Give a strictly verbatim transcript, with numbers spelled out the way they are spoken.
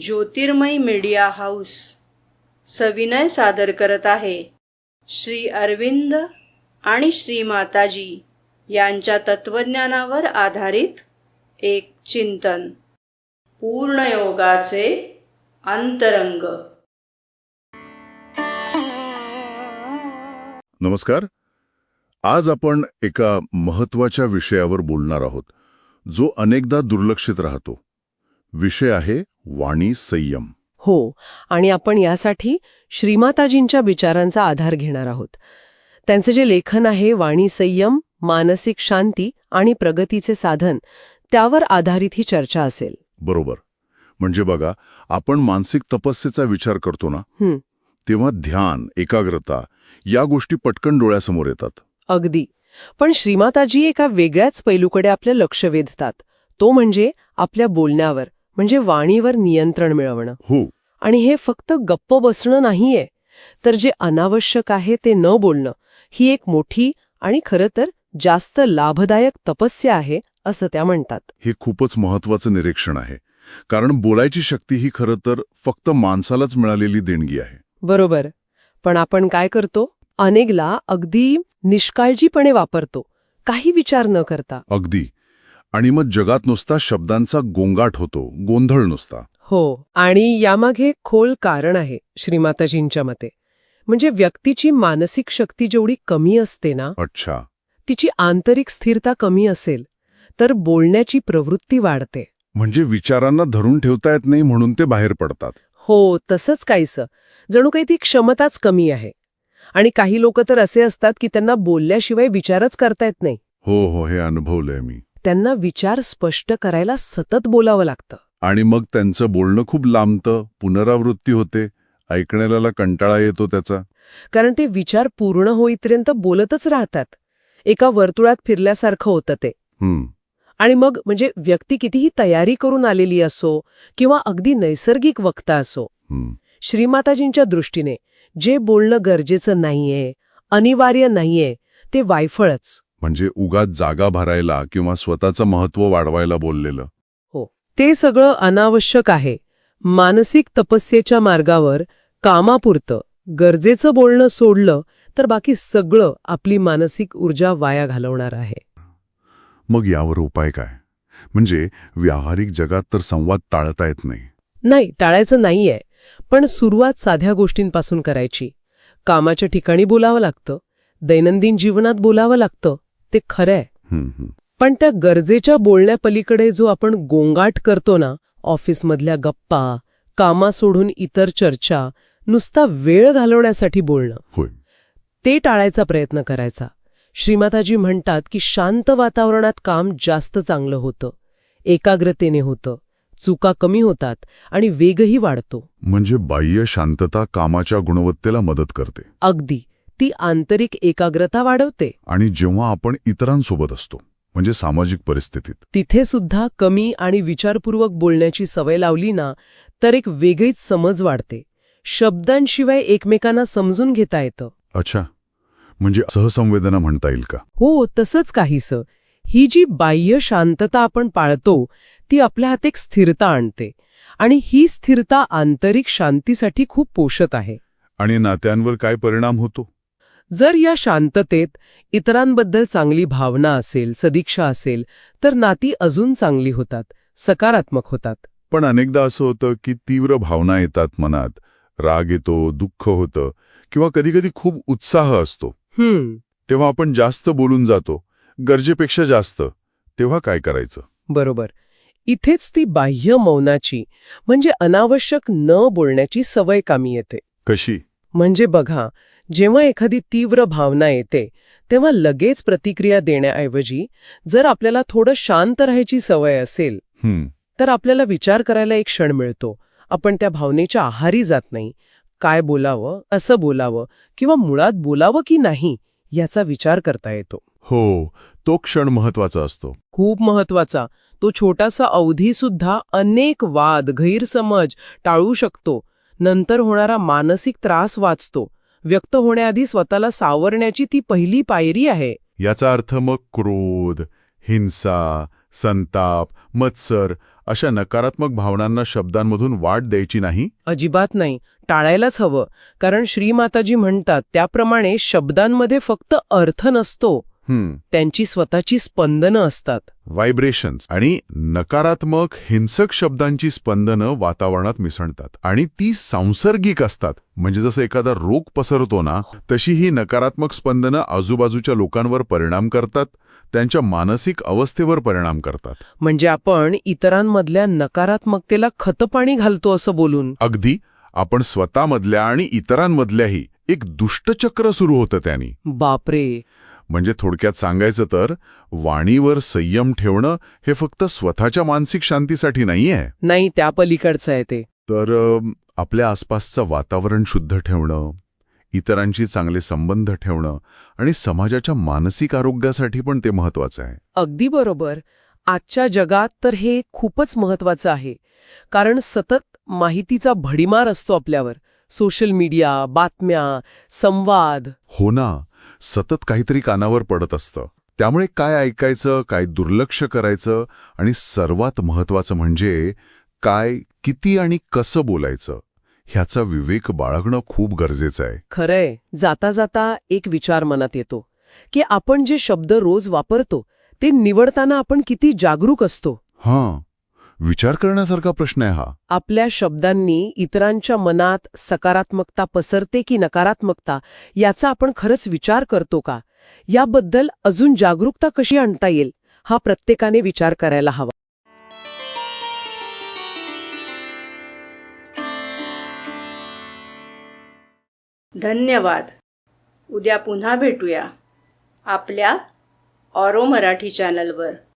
ज्योतिर्मय media house सविनय सादर करत आहे श्री अरविंद आणि श्री माताजी यांच्या तत्वज्ञानावर आधारित एक चिंतन, पूर्णयोगाचे अंतरंग. नमस्कार. आज आपण एका महत्त्वाच्या विषयावर बोलणार आहोत, जो अनेकदा दुर्लक्षित राहतो. विषय आहे वाणी संयम. हो, आणि आपण यासाठी श्रीमाताजींच्या विचारांचा आधार घेणार आहोत. त्यांचे जे लेखन आहे वाणी संयम, मानसिक शांती आणि प्रगतीचे साधन, त्यावर आधारित ही चर्चा असेल. बरोबर. म्हणजे बघा, आपण मानसिक तपस्येचा विचार करतो ना, हं, तेव्हा ध्यान, एकाग्रता या गोष्टी पटकन डोळ्यासमोर येतात. अगदी. पण श्रीमाताजी एका वेगळ्याच पैलूकडे आपलं लक्ष वेधतात. तो म्हणजे आपल्या बोलण्यावर, म्हणजे वाणीवर नियंत्रण मिळवणं. हो. आणि हे फक्त गप्प बसणं नाहीये, तर जे अनावश्यक आहे ते न बोलणं, ही एक मोठी आणि खरं तर जास्त लाभदायक तपस्या आहे, असं त्या म्हणतात. हे खूपच महत्त्वाचं निरीक्षण आहे, कारण बोलायची शक्ती ही खरं तर फक्त माणसालाच मिळालेली देणगी आहे. बरोबर. पण आपण काय करतो? अनेकला अगदी निष्काळजीपणे वापरतो, काही विचार न करता. अगदी. आणि मग जगात नुसता शब्दांचा गोंगाट होतो, गोंधळ नुसता. हो, आणि यामागे खोल कारण आहे श्रीमाताजींच्या मते. म्हणजे व्यक्तीची मानसिक शक्ती जेवढी कमी असते ना, अच्छा, तिची आंतरिक स्थिरता कमी असेल तर बोलण्याची प्रवृत्ती वाढते. म्हणजे विचारांना धरून ठेवता येत नाही म्हणून ते बाहेर पडतात. हो, तसंच काहीसं. जणू काही ती क्षमताच कमी आहे. आणि काही लोक तर असे असतात की त्यांना बोलल्याशिवाय विचारच करता येत नाही. हो हो, हे अनुभवलंय मी. त्यांना विचार स्पष्ट करायला सतत बोलावं लागतं. आणि मग त्यांचं बोलणं खूप लांबतं, पुनरावृत्ती होते, ऐकण्याला कंटाळा येतो त्याचा. कारण ते विचार पूर्ण होईपर्यंत बोलतच राहतात. एका वर्तुळात फिरल्यासारखं होतं ते. हम्म. आणि मग म्हणजे व्यक्ती कितीही तयारी करून आलेली असो किंवा अगदी नैसर्गिक वक्ता असो, हम्म. श्रीमाताजींच्या दृष्टीने जे बोलणं गरजेचं नाहीये, अनिवार्य नाहीये, ते वायफळच. म्हणजे उगाच जागा भरायला किंवा स्वतःचं महत्त्व वाढवायला बोललेलं. हो, ते सगळं अनावश्यक आहे. मानसिक तपस्येच्या मार्गावर कामापुरतं गरजेचं बोलणं सोडलं तर बाकी सगळं आपली मानसिक ऊर्जा वाया घालवणार आहे. मग यावर उपाय काय? म्हणजे व्यावहारिक जगात तर संवाद टाळता येत नाही. नाही, टाळायचं नाहीये, पण सुरुवात साध्या गोष्टींपासून करायची. कामाच्या ठिकाणी बोलावं लागतं, दैनंदिन जीवनात बोलावं लागतं, ते खरंय. पण त्या गरजेच्या बोलण्यापलीकडे जो आपण गोंगाट करतो ना, ऑफिसमधल्या गप्पा, कामा सोडून इतर चर्चा, नुसता वेळ घालवण्यासाठी बोलणं, होय, ते टाळायचा प्रयत्न करायचा. श्रीमाताजी म्हणतात की शांत वातावरणात काम जास्त चांगलं होतं, एकाग्रतेने होतं, चुका कमी होतात आणि वेगही वाढतो. म्हणजे बाह्य शांतता कामाच्या गुणवत्तेला मदत करते. अगदी. ती आंतरिक एकाग्रता वाढवते. आणि जेव्हा आपण इतरांसोबत असतो, म्हणजे सामाजिक परिस्थितीत, तिथे सुद्धा कमी आणि विचारपूर्वक बोलण्याची सवय लावली ना, तर एक वेगळीच समज वाढते. शब्दांशिवाय एकमेकांना समजून घेता येतं. अच्छा, म्हणजे सहसंवेदना म्हणता येईल का? हो, तसंच काहीसं. ही जी बाह्य शांतता आपण पाळतो, ती आपल्या हात एक स्थिरता आणते. आणि ही स्थिरता आंतरिक शांतीसाठी खूप पोषक आहे. आणि नात्यांवर काय परिणाम होतो? जर या शांततेत इतरांबद्दल चांगली भावना असेल, सदिच्छा असेल, तर नाती अजून चांगली होतात, सकारात्मक होतात. पण अनेकदा असं होतं की तीव्र भावना येतात मनात, राग येतो, दुःख होतं, किंवा कधीकधी खूप उत्साह असतो. हम्म तेव्हा आपण जास्त बोलून जातो, गरजेपेक्षा जास्त. तेव्हा काय करायचं? बरोबर. इथेच ती बाह्य मौनाची, म्हणजे अनावश्यक न बोलण्याची सवय कामी येते. कशी? म्हणजे बघा, जेव्हा एखादी तीव्र भावना येते तेव्हा लगेच प्रतिक्रिया देण्याऐवजी जर आपल्याला थोडं शांत राहायची सवय असेल, हम्म तर आपल्याला विचार करायला एक क्षण मिळतो. आपण त्या भावनेच्या आहारी जात नाही. काय बोलावं, असं बोलावं किंवा मुळात बोलावं की नाही याचा विचार करता येतो. हो, तो क्षण महत्वाचा असतो. खूप महत्वाचा. तो छोटासा अवधीसुद्धा अनेक वाद, गैरसमज टाळू शकतो. नंतर होणारा मानसिक त्रास वाचतो. व्यक्त होण्याआधी स्वतःला सावरण्याची ती पहिली पायरी आहे. याचा अर्थ मग क्रोध, हिंसा, संताप, मत्सर अशा नकारात्मक भावनांना शब्दांमधून वाट द्यायची नाही. अजिबात नाही, टाळायलाच हवं. कारण श्रीमाताजी म्हणतात त्याप्रमाणे शब्दांमध्ये फक्त अर्थ नसतो, हम्म त्यांची स्वतःची स्पंदनं असतात. व्हायब्रेशन्स आणि नकारात्मक हिंसक शब्दांची स्पंदनं वातावरणात मिसळतात आणि ती सांसर्गिक असतात. म्हणजे जसं एखादा रोग पसरतो ना, तशी ही नकारात्मक स्पंदनं आजूबाजूच्या लोकांवर परिणाम करतात, त्यांच्या मानसिक अवस्थेवर परिणाम करतात. म्हणजे आपण इतरांमधल्या नकारात्मकतेला खतपाणी घालतो असं बोलून. अगदी, आपण स्वतःमधल्या आणि इतरांमधल्याही एक दुष्टचक्र सुरू होतं त्यांनी. बापरे. म्हणजे थोडक्यात सांगायचं तर वाणीवर संयम ठेवणं हे फक्त स्वतःच्या मानसिक शांतीसाठी नाहीये, नाही, त्या पलीकडचं आहे ते. तर अ, आपल्या आसपासचं वातावरण शुद्ध ठेवणं, इतरांशी चांगले संबंध ठेवणं आणि समाजाच्या मानसिक आरोग्यासाठी पण ते महत्वाचं आहे. अगदी बरोबर. आजच्या जगात तर हे खूपच महत्वाचं आहे. कारण सतत माहितीचा भडीमार असतो आपल्यावर. सोशल मीडिया, बातम्या, संवाद. हो ना, सतत काहीतरी कानावर पडत असतं. त्यामुळे काय ऐकायचं, काय दुर्लक्ष करायचं आणि सर्वात महत्वाचं म्हणजे काय, किती आणि कसं बोलायचं ह्याचा विवेक बाळगणं खूप गरजेचं आहे. खरंय. जाता जाता एक विचार मनात येतो की आपण जे शब्द रोज वापरतो ते निवडताना आपण किती जागरूक असतो. हां, विचार करण्यासारखा प्रश्न आहे हा. आपल्या शब्दांनी इतरांच्या मनात सकारात्मकता पसरते की नकारात्मकता याचा आपण खरंच विचार करतो का, याबद्दल अजून जागरूकता कशी आणता येईल हा प्रत्येकाने विचार करायला हवा. धन्यवाद. उद्या पुन्हा भेटूया आपल्या ऑरो मराठी चॅनलवर.